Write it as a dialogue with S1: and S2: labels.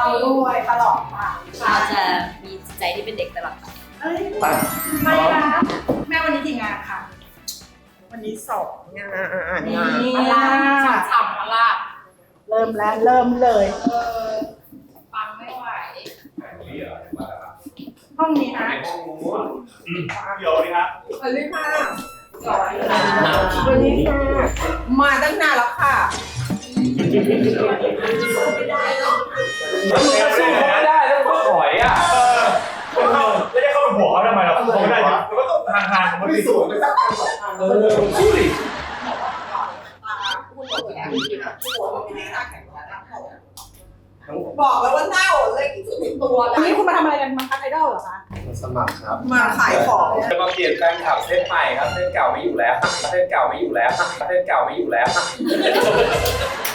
S1: ด้วยตลอดไป
S2: เราจะมีจิตใจที่เป็นเด็กตลอดไป
S1: เอ้ยไม่นะแม่วันนี้กี่งานค่ะวันนี้2 งานมาล่า
S2: ฉ่ำๆมาล่ะ
S1: เริ่มแล้วเริ่มเลย
S2: ฟังไม่ไหว
S1: ห้องนี้นะ
S3: ห้องนู้นเดี๋ยวนี่ฮะ
S1: สวัสดีค่ะวันนี้ค่ะมาตั้งนานแล้วค่ะ
S3: ไม่ได้แล้วก็ถอยอ่ะแล้วจะเข้าไปบวกเขาทำไมเราเขาไม่ได้เราก็ต้องห่างๆของมัน
S4: ไม่
S3: สิ
S4: สวยไม่สักพัน2 พัน
S3: สู้ดิ
S1: บอกแล้วว่าเน่าเลยที่สุดในตัวแล้วนี่คุณมาทำอะไรกันมาคัดไอดอลเหรอคะ
S4: สมัครครับ
S1: มาขายของ
S5: จะมาเปลี่ยนแฟนคลับเส้นใหม่ครับเส้นเก่าไม่อยู่แล้วเส้นเก่าไม่อยู่แล้วเส้นเก่าไม่อยู่แล้ว